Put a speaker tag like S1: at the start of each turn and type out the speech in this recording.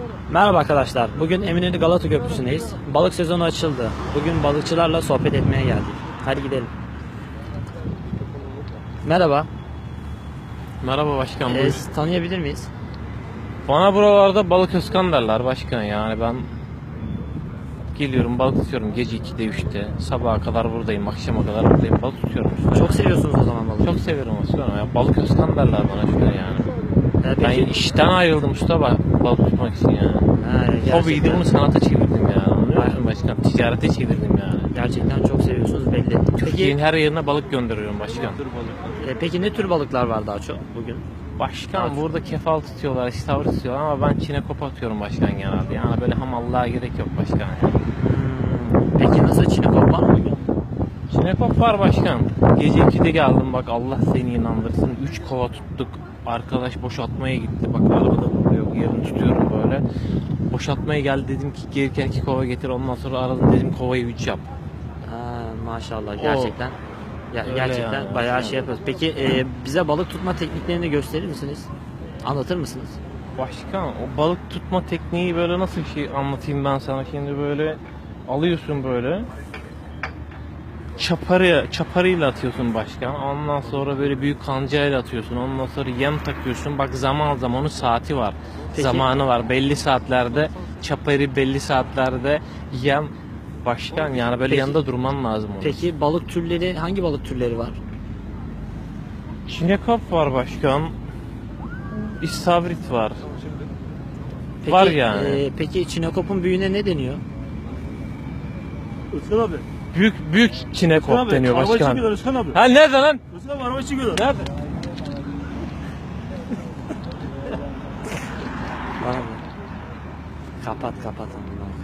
S1: Merhaba arkadaşlar. Bugün Eminönü Galata Köprüsü'ndeyiz. Balık sezonu açıldı. Bugün balıkçılarla sohbet etmeye geldik. Hadi gidelim. Merhaba.
S2: Merhaba başkan. Buyur.
S1: Tanıyabilir miyiz?
S2: Bana buralarda balık Özkan derler başkan, yani ben geliyorum balık tutuyorum gece 2'de 3'te, sabaha kadar buradayım, akşama kadar buradayım, balık tutuyorum.
S1: Çok seviyorsunuz o zaman balığı.
S2: Çok seviyorum usta ya, balık Özkan derler bana şöyle yani. Ben
S1: Peki,
S2: işten ayrıldım usta balık tutmak için yani. Hobiydi, bunu sanata çevirdim yani, anlıyor musun başkan? Ticarete çevirdim yani.
S1: gerçekten çok seviyorsunuz belli.
S2: Türkiye'nin her yerine balık gönderiyorum başkan.
S1: Peki ne tür balıklar var daha çok bugün?
S2: Başkan burada kefal tutuyorlar, istavrit tutuyorlar ama ben çinekop atıyorum başkan genelde. Yani böyle hamallığa gerek yok başkan yani.
S1: Peki nasıl çinekop var mı bugün?
S2: Çinekop var başkan. Gece 2'de geldim, bak Allah seni inandırsın. 3 kova tuttuk. Arkadaş boşaltmaya gitti. Bak arabada vuruyor. Yerini tutuyorum böyle. Boşaltmaya geldi, dedim ki gelirken 2 kova getir. Ondan sonra aradım, dedim kovayı 3 yap.
S1: Maşallah gerçekten. Gerçekten
S2: yani.
S1: bayağı şey yapıyoruz. Peki bize balık tutma tekniklerini gösterir misiniz? Anlatır mısınız?
S2: Başkan o balık tutma tekniği böyle nasıl bir şey anlatayım ben sana şimdi. Böyle alıyorsun böyle. Çaparıyla atıyorsun başkan. Ondan sonra böyle büyük kancayla atıyorsun. Ondan sonra yem takıyorsun. Bak zaman zaman onun saati var.
S1: Peki.
S2: Zamanı var. Belli saatlerde çaparı, belli saatlerde yem başkan. Yani böyle
S1: Peki.
S2: yanında durman lazım onun.
S1: Peki balık türleri, hangi balık türleri var?
S2: Çinekop var başkan. İstavrit var.
S1: Peki,
S2: Var yani.
S1: Peki çinekopun büyüğüne ne deniyor?
S3: Özkan abi.
S2: Büyük çinekop
S3: Abi,
S2: deniyor
S3: araba
S2: başkan.
S3: çekiyorlar Özkan abi.
S2: Ha nerede lan?
S3: Özkan abi araba çekiyorlar.
S2: Nerede?
S1: Var mı? Kapat.